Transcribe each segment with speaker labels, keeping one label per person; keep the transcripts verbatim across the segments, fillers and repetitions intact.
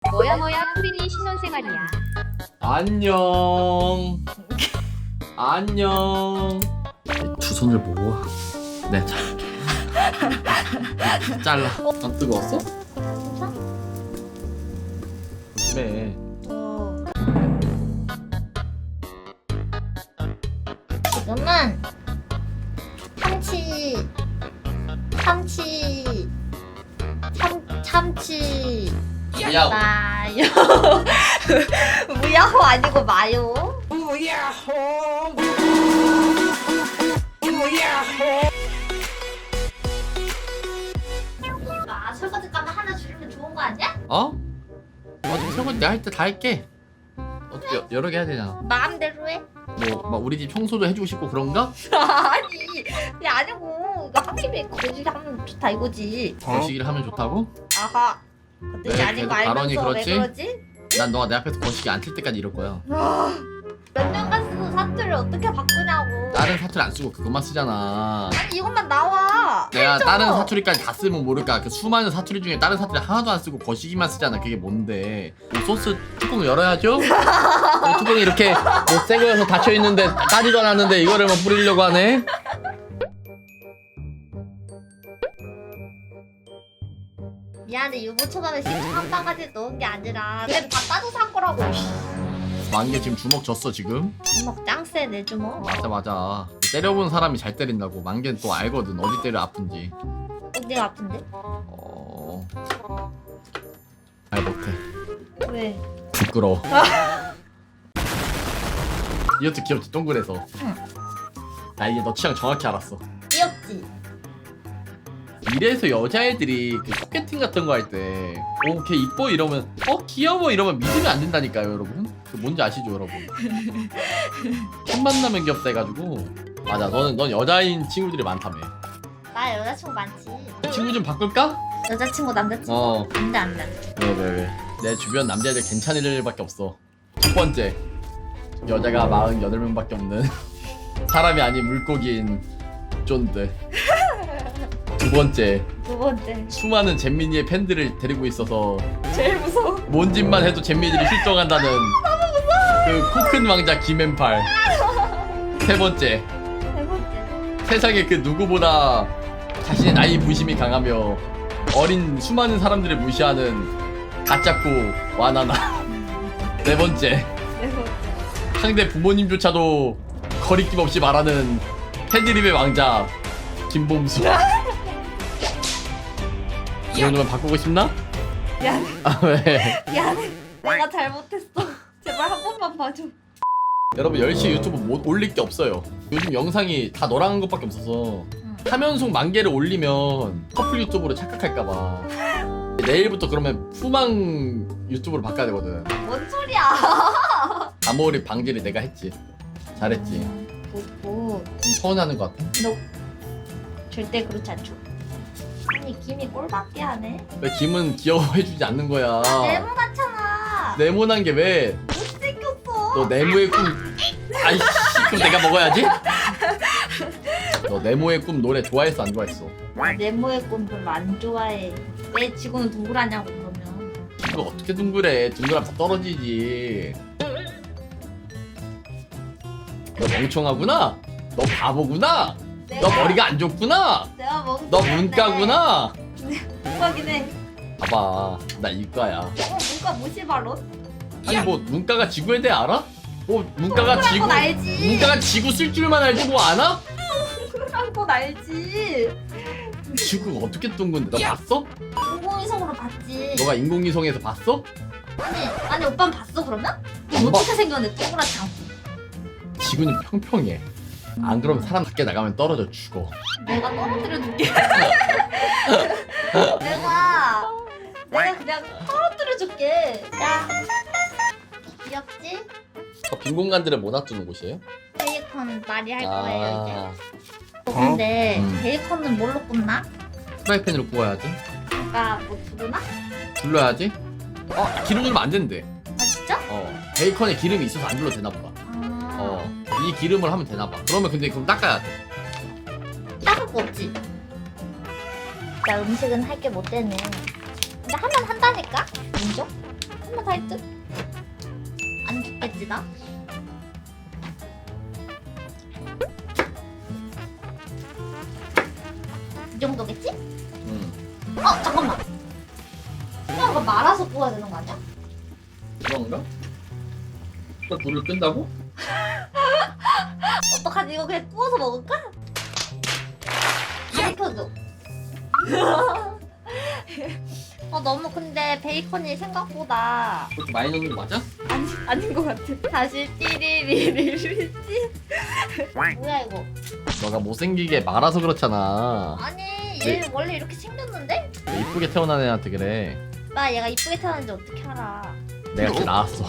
Speaker 1: 뭐야 뭐야 프린이 신혼생활이야.
Speaker 2: 안녕. 안녕. 두 손을 모아. 네, 잘게. 잘라. 안 뜨거웠어? 조심해.
Speaker 3: 지금은 참치 참치 참 참치
Speaker 2: 야호.
Speaker 3: 마요 무야호 아니고 마요.
Speaker 2: 무야호.
Speaker 3: 아 설거지 가면 하나 줄이면 좋은 거 아니야?
Speaker 2: 어? 어차피 설거지 내가 할 때 다 할게. 어차피 여- 여러 개 해야 되잖아.
Speaker 3: 마음대로 해.
Speaker 2: 뭐, 막 우리 집 청소도 해주고 싶고 그런가?
Speaker 3: 아니 그게 아니고 이거 한 입에 거시기 하면 좋다 이거지.
Speaker 2: 거시기를 하면 좋다고?
Speaker 3: 아하. 그것도
Speaker 2: 왜
Speaker 3: 아니고
Speaker 2: 계속 발언이
Speaker 3: 알면서 왜
Speaker 2: 그렇지?
Speaker 3: 그러지?
Speaker 2: 난 너가 내 앞에서 거시기 안 틀 때까지 이럴 거야.
Speaker 3: 몇 년간 쓰는 사투를 어떻게 바꾸냐고.
Speaker 2: 다른 사투리 안 쓰고 그것만 쓰잖아.
Speaker 3: 아니 이것만 나와.
Speaker 2: 내가
Speaker 3: 해줘.
Speaker 2: 다른 사투리까지 다 쓰면 모를까. 그 수많은 사투리 중에 다른 사투리 하나도 안 쓰고 거시기만 쓰잖아. 그게 뭔데? 이 소스 뚜껑 열어야죠? 이 뚜껑이 이렇게 뭐 새거여서 닫혀있는데 까지도 않았는데 이거를 막 뿌리려고 하네?
Speaker 3: 미안해 유부초밥에 식초 한 바가지 넣은 게 아니라 그래도 다 따져서 한 거라고.
Speaker 2: 만개 지금 주먹 졌어 지금?
Speaker 3: 주먹 짱세 내 주먹.
Speaker 2: 맞아 맞아. 때려본 사람이 잘 때린다고. 만개는 또 알거든 어디 때려 아픈지.
Speaker 3: 어디가 아픈데?
Speaker 2: 어... 잘 못해.
Speaker 3: 왜?
Speaker 2: 부끄러워. 이것도 귀엽지 동그래서.
Speaker 3: 응.
Speaker 2: 나 이제 너 취향 정확히 알았어.
Speaker 3: 귀엽지?
Speaker 2: 이래서 여자애들이 그 소개팅 같은 거 할 때 어, 걔 이뻐 이러면 어 귀여워 이러면 믿으면 안 된다니까요 여러분. 그 뭔지 아시죠 여러분? 첫 만나면 귀엽다 해가지고. 맞아 너는 넌 여자인 친구들이 많다며.
Speaker 3: 나 여자친구 많지.
Speaker 2: 친구 좀 바꿀까?
Speaker 3: 여자친구 남자친구
Speaker 2: 어.
Speaker 3: 안돼 안돼.
Speaker 2: 왜 왜 왜? 내 주변 남자애들 괜찮은 애들밖에 없어. 첫 번째 여자가 마흔여덟 명밖에 없는 사람이 아닌 물고기인 쫀드. 두 번째
Speaker 3: 두 번째
Speaker 2: 수많은 잼민이의 팬들을 데리고 있어서
Speaker 3: 제일 무서워.
Speaker 2: 뭔 짓만 해도 잼민이들이 실종한다는 그 코 큰 왕자 김앤팔. 세 번째
Speaker 3: 세 번째
Speaker 2: 세상에 그 누구보다 자신의 나이 부심이 강하며 어린 수많은 사람들을 무시하는 가짜코 와나나. 네 번째
Speaker 3: 네 번째
Speaker 2: 상대 부모님조차도 거리낌 없이 말하는 팬드립의 왕자 김범수. 이 정도면 바꾸고 싶나?
Speaker 3: 미안해
Speaker 2: 아 왜?
Speaker 3: 미안해 내가 잘못했어. 제발 한 번만 봐줘.
Speaker 2: 여러분 열심히 유튜브 못 올릴 게 없어요. 요즘 영상이 다 너랑 한 것밖에 없어서
Speaker 3: 응.
Speaker 2: 화면속 만 개를 올리면 커플 유튜브로 착각할까봐 내일부터 그러면 푸망 유튜브로 바꿔야 되거든.
Speaker 3: 뭔 소리야?
Speaker 2: 암호리 방지를 내가 했지. 잘했지.
Speaker 3: 뭐
Speaker 2: 좀 서운하는 것 같아.
Speaker 3: 너 절대 그렇지 않죠. 아니 김이 꼴밖에 안 해.
Speaker 2: 왜 김은 귀여워해주지 않는 거야.
Speaker 3: 네모 같잖아.
Speaker 2: 네모난 게 왜?
Speaker 3: 못생겼어.
Speaker 2: 너 네모의 꿈. 아이씨 그럼 내가 먹어야지. 너 네모의 꿈 노래 좋아했어 안 좋아했어?
Speaker 3: 나 네모의 꿈 별로 안 좋아해. 왜 지구는 동그라냐고 그러면.
Speaker 2: 이거 어떻게 둥그래? 둥그라면 다 떨어지지. 너 멍청하구나. 너 바보구나. 너
Speaker 3: 내가-
Speaker 2: 머리가 안 좋구나.
Speaker 3: 내가 멍청한데.
Speaker 2: 너 문과구나.
Speaker 3: 문과긴 해.
Speaker 2: 봐봐 나 이과야.
Speaker 3: 어 문과 무시발로?
Speaker 2: 아니 뭐 문과가 지구에 대해 알아? 뭐 문과가
Speaker 3: 동그란
Speaker 2: 지구
Speaker 3: 건 알지.
Speaker 2: 문과가 지구 쓸 줄만 알지 뭐 아나?
Speaker 3: 동그란 건 알지.
Speaker 2: 지구가 어떻게 둥근데? 너 봤어?
Speaker 3: 인공위성으로 봤지.
Speaker 2: 너가 인공위성에서 봤어?
Speaker 3: 아니 아니 오빠는 봤어 그러면?
Speaker 2: 안
Speaker 3: 어떻게 생겼는데 동그랗지 않고.
Speaker 2: 지구는 평평해. 안 그러면 사람 밖에 나가면 떨어져 죽어.
Speaker 3: 내가 떨어뜨려 줄게. 내가 내가 그냥 떨어뜨려 줄게. 야 귀엽지?
Speaker 2: 어, 빈 공간들을 못 놔두는 곳이에요?
Speaker 3: 베이컨 말이 할 거예요 이제.
Speaker 2: 아
Speaker 3: 어, 근데
Speaker 2: 음.
Speaker 3: 베이컨은 뭘로 굽나?
Speaker 2: 프라이팬으로 구워야지.
Speaker 3: 그러니까 뭐 두르나?
Speaker 2: 둘러야지. 어 기름 넣으면 안 된대.
Speaker 3: 아 진짜?
Speaker 2: 어 베이컨에 기름이 있어서 안 둘러도 되나 보다.
Speaker 3: 아
Speaker 2: 어 이 기름을 하면 되나 봐. 그러면 근데 그럼 닦아야 돼.
Speaker 3: 따를 거 없지? 나 음식은 할 게 못 되네. 근데 하면 한다니까? 인정? 한번 할 듯? 안 죽겠지 나? 이 정도겠지?
Speaker 2: 응.
Speaker 3: 어 잠깐만. 그냥 이거 말아서 구워야 되는 거 아니야?
Speaker 2: 그런가? 또 불을 끈다고?
Speaker 3: 어떡하지? 이거 그냥 구워서 먹을까? 가르쳐줘. 어 너무 근데 베이컨이 생각보다
Speaker 2: 그렇게 많이 넣는 거 맞아?
Speaker 3: 아니 아닌 것 같아. 다시 띠리리리리리. 뭐야 이거?
Speaker 2: 너가 못생기게 말아서 그렇잖아.
Speaker 3: 아니
Speaker 2: 네.
Speaker 3: 얘 원래 이렇게 생겼는데?
Speaker 2: 왜 이쁘게 태어난 애한테 그래.
Speaker 3: 나 얘가 이쁘게 태어났는지 어떻게 알아?
Speaker 2: 내가 걔 낳았어.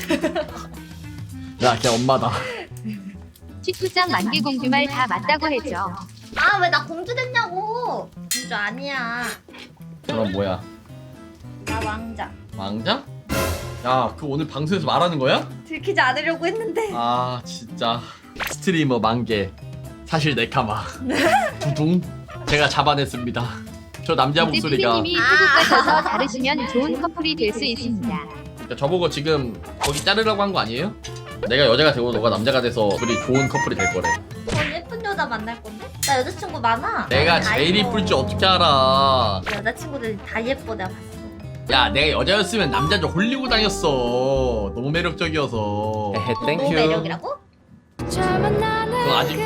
Speaker 2: 야, 걔 엄마다.
Speaker 1: 식구장 만개 공주 말 다 맞다고 해줘.
Speaker 3: 아 왜 나 공주 됐냐고? 공주 아니야.
Speaker 2: 그럼 뭐야?
Speaker 3: 나 왕자.
Speaker 2: 왕자? 야, 그 오늘 방송에서 말하는 거야?
Speaker 3: 들키지 않으려고 했는데.
Speaker 2: 아, 진짜. 스트리머 만개. 사실 네카마. 두둥. 제가 잡아냈습니다. 저 남자
Speaker 1: 이제
Speaker 2: 목소리가.
Speaker 1: 피디님이 태국 가셔서 다루시면 좋은 커플이 될 수 있습니다.
Speaker 2: 그러니까 저보고 지금 거기 자르라고 한 거 아니에요? 내가 여자가 되고 너가 남자가 돼서 우리 좋은 커플이 될 거래.
Speaker 3: 전 예쁜 여자 만날 건데? 나 여자친구 많아.
Speaker 2: 내가
Speaker 3: 다
Speaker 2: 제일
Speaker 3: 예뻐.
Speaker 2: 이쁠 줄 어떻게 알아?
Speaker 3: 여자친구들이 다 예뻐 내가 봤어.
Speaker 2: 야, 내가 여자였으면 남자 좀 홀리고 다녔어. 너무 매력적이어서. 헤헤,
Speaker 3: 너무 매력이라고?
Speaker 2: 그건 아직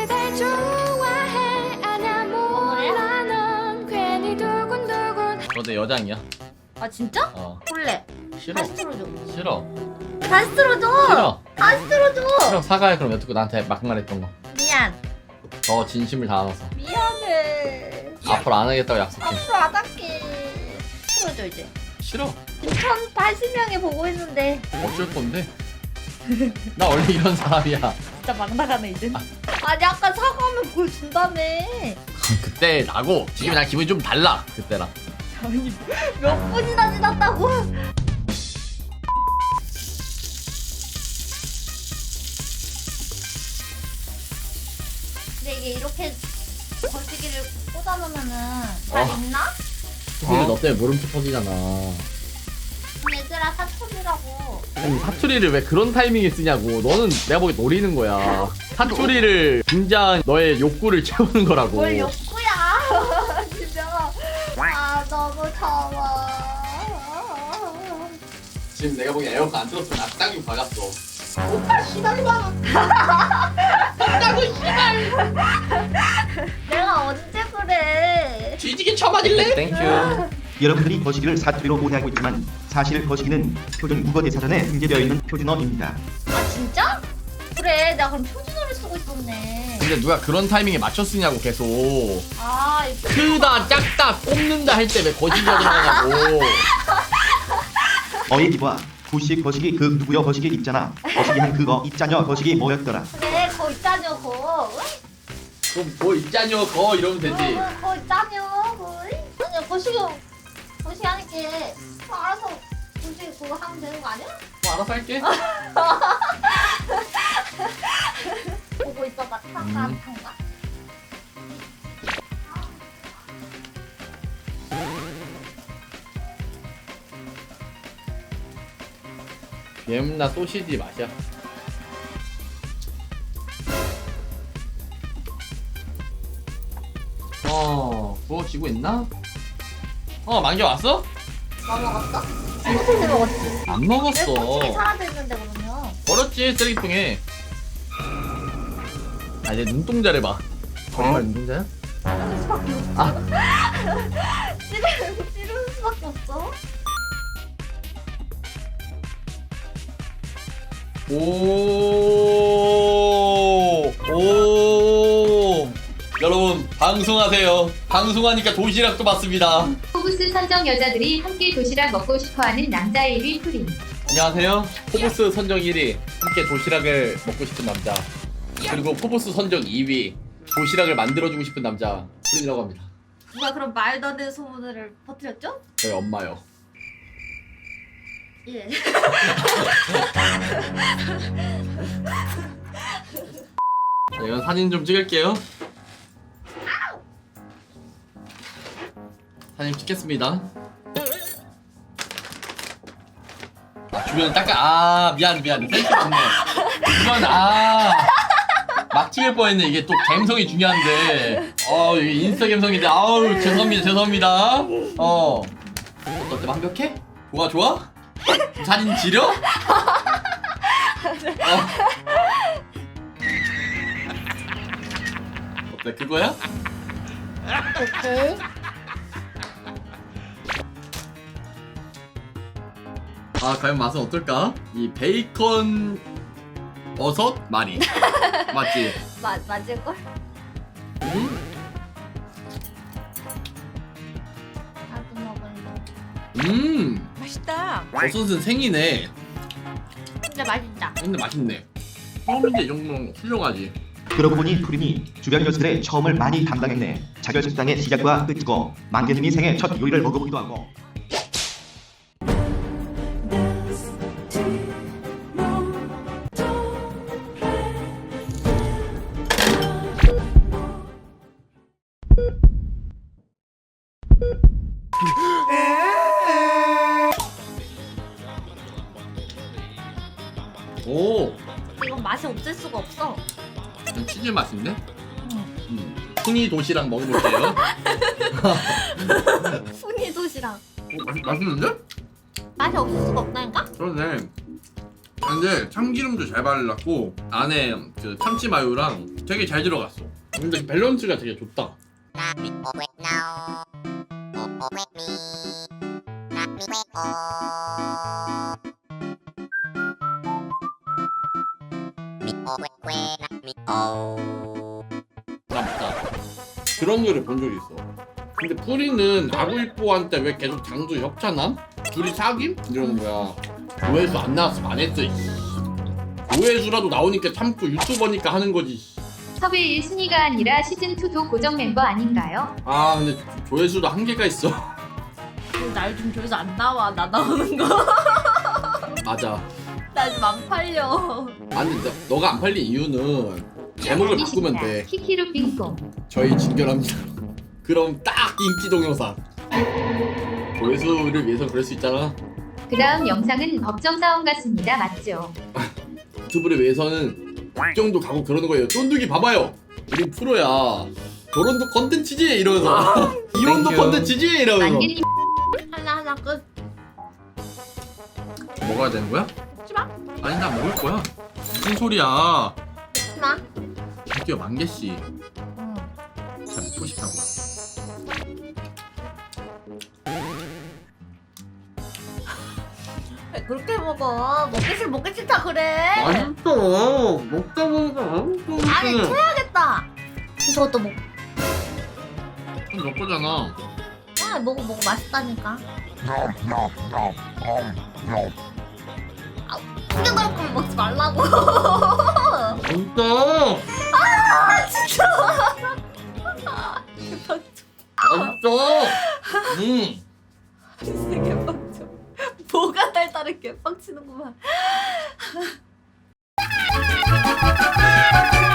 Speaker 2: 너 내 여장이야.
Speaker 3: 아 진짜?
Speaker 2: 어.
Speaker 3: 볼래.
Speaker 2: 싫어.
Speaker 3: 다시 틀어줘.
Speaker 2: 싫어.
Speaker 3: 다시 틀어줘.
Speaker 2: 싫어.
Speaker 3: 다시 틀어줘.
Speaker 2: 싫어. 사과해. 그럼 여태껏 나한테 막말했던 거.
Speaker 3: 미안.
Speaker 2: 더 진심을 담아서.
Speaker 3: 미안해.
Speaker 2: 앞으로 안 하겠다고 약속해.
Speaker 3: 앞으로 안 할게. 틀어줘 이제.
Speaker 2: 싫어.
Speaker 3: 이천팔십 명이 보고 있는데
Speaker 2: 어쩔 건데? 나 원래 이런 사람이야.
Speaker 3: 진짜 막 나가네 이제. 아니 아까 사과하면 보여준다며.
Speaker 2: 그때 나고 지금 난 기분이 좀 달라. 그때랑.
Speaker 3: 아니 몇 분이나 지났다고? 근데 이게 이렇게 거시기를 꽂아놓으면은 잘
Speaker 2: 어.
Speaker 3: 있나?
Speaker 2: 근데 너 때문에 물음표 터지잖아.
Speaker 3: 얘들아 사촌이라고.
Speaker 2: 아니, 사투리를 왜 그런 타이밍에 쓰냐고. 너는 내가 보기 노리는 거야. 사투리를 굉장히 너의 욕구를 채우는 거라고.
Speaker 3: 뭘 욕구야. 진짜. 아 너무 더워.
Speaker 2: 지금 내가 보기 에어컨 안 틀었으면 나 땅이 박았어.
Speaker 3: 오빠 시달려. 내가 언제 그래?
Speaker 2: 뒤지게 쳐맞을래? 땡큐.
Speaker 4: 여러분들이 거시기를 사투리로 오해하고 있지만 사실 거시기는 표준 국어 대사전에 등재되어 있는 표준어입니다.
Speaker 3: 아 진짜? 그래 내가 그럼 표준어를 쓰고 있었네.
Speaker 2: 근데 누가 그런 타이밍에 맞춰 쓰냐고 계속.
Speaker 3: 아 이거
Speaker 2: 크다 작다 꼽는다 할 때 왜 거시기가 들어가냐고.
Speaker 4: 어예기와 구식 거시기 그 누구여 거시기 있잖아. 거시기 한 그거 있자녀 거시기 뭐였더라.
Speaker 3: 그래 거 있자녀 거.
Speaker 2: 그럼 뭐 있자뇨 거 이러면 되지.
Speaker 3: 어, 거 있자녀 거. 아니야 거시기 거시기 하니까 뭐 알아서 거시기 그거 하면 되는 거 아니야?
Speaker 2: 뭐 알아서 할게.
Speaker 3: 보고 있어봐 탄가
Speaker 2: 음.
Speaker 3: 탄가.
Speaker 2: 예문나 소시지 맛이야. 어, 구워지고 있나? 어, 만개 왔어?
Speaker 3: 뭐 먹었어? 소시지 먹었지.
Speaker 2: 안
Speaker 3: 왜
Speaker 2: 먹었어.
Speaker 3: 거시기 사라져 있는데 그러면?
Speaker 2: 버렸지 쓰레기통에. 아, 이제 눈동자를 봐. 정말 눈동자야?
Speaker 3: 찌를 수밖에 없어.
Speaker 2: 아.
Speaker 3: 찌르 찌르는 수밖에 없어.
Speaker 2: 오, 오. 여러분 방송하세요. 방송하니까 도시락도 받습니다.
Speaker 1: 포브스 선정 여자들이 함께 도시락 먹고 싶어하는 남자 일 위 프린.
Speaker 2: 안녕하세요. 포브스 선정 일 위 함께 도시락을 먹고 싶은 남자. 그리고 포브스 선정 이 위 도시락을 만들어주고 싶은 남자 프린이라고 합니다.
Speaker 3: 누가 그런 말도 안 되는 소문을 퍼뜨렸죠?
Speaker 2: 저희 엄마요.
Speaker 3: 예.
Speaker 2: 자, 이건 사진 좀 찍을게요. 사진 찍겠습니다. 주변 닦아. 아 미안 미안 센스 없네. 주변 아막 찍을 뻔했네. 이게 또 감성이 중요한데. 어 이게 인스타 감성인데 아우 죄송합니다 죄송합니다. 어 어때 완벽해? 뭐가 좋아? 사진 지려? 어. 어때 그거야?
Speaker 3: 오케이.
Speaker 2: 아 과연 맛은 어떨까? 이 베이컨 버섯 마리 맞지?
Speaker 3: 맞 맞을 걸?
Speaker 2: 음?
Speaker 3: 나도 먹을래.
Speaker 2: 음
Speaker 5: 맛있다.
Speaker 2: 버섯은 생이네.
Speaker 3: 진짜 맛있다.
Speaker 2: 근데 맛있네. 처음인데 이 정도는 훌륭하지.
Speaker 4: 그러고 보니 푸린이 주변 녀석들의 처음을 많이 담당했네. 자결 식당의 시작과 끝이고 망개님이 생애 첫 요리를 먹어보기도 하고.
Speaker 2: 오
Speaker 3: 이건 맛이 없을 수가 없어.
Speaker 2: 이건 치즈 맛인데? 음. 순이 도시락 먹어볼게요.
Speaker 3: 순이 도시락.
Speaker 2: 오, 맛, 맛있는데?
Speaker 3: 맛이 없을 수가 없다니까?
Speaker 2: 그러네. 근데 참기름도 잘 발랐고 안에 그 참치 마요랑 되게 잘 들어갔어. 근데 밸런스가 되게 좋다. 맞다. 그런 거를 본 적이 있어. 근데 프리는 아구이뽀한테 왜 계속 장수 협찬함? 둘이 사귐? 이러는 거야. 조회수 안 나왔으면 안 했어. 이씨. 조회수라도 나오니까 참고 유튜버니까 하는 거지.
Speaker 1: 섭외 일 순위가 아니라 시즌이도 고정 멤버 아닌가요?
Speaker 2: 아 근데 조- 조회수도 한계가 있어.
Speaker 3: 날 좀 줘서 안 나와. 나 나오는 거.
Speaker 2: 맞아.
Speaker 3: 나 좀 안 팔려.
Speaker 2: 아니 너, 너가 안 팔린 이유는 제목을 바꾸면 돼.
Speaker 1: 키키루 빙봉.
Speaker 2: 저희 진결합니다. 그럼 딱 인기 동영상. 조회수를 위해서 그럴 수 있잖아.
Speaker 1: 그 다음 영상은 법정 싸움 같습니다. 맞죠?
Speaker 2: 유튜브를 위해서는 국정도 가고 그러는 거예요. 쫀득이 봐봐요. 우린 프로야. 결혼도 컨텐츠지 이러면서. 이혼도 컨텐츠지 이러면서.
Speaker 1: 만개님
Speaker 3: 하나 하나 끝.
Speaker 2: 먹어야 되는 거야?
Speaker 3: 먹지 마.
Speaker 2: 아니 나 먹을 거야. 무슨 소리야?
Speaker 3: 먹지 마.
Speaker 2: 드디어 만개 씨.
Speaker 3: 응.
Speaker 2: 잘 먹고 싶다고.
Speaker 3: 왜 그렇게 먹어? 먹기 싫 먹기 싫다 그래.
Speaker 2: 맛있어. 먹다 보니까 맛있어.
Speaker 3: 아니 채야겠다. 저것도 먹.
Speaker 2: 너 거잖아.
Speaker 3: 아 먹어 먹어 맛있다니까. 아, 근데 그럴 거면 먹지 말라고.
Speaker 2: 진짜.
Speaker 3: 아 진짜.
Speaker 2: 맛있어. 음.
Speaker 3: 진짜 개빡쳐. 뭐가 달달해 개빡치는구만.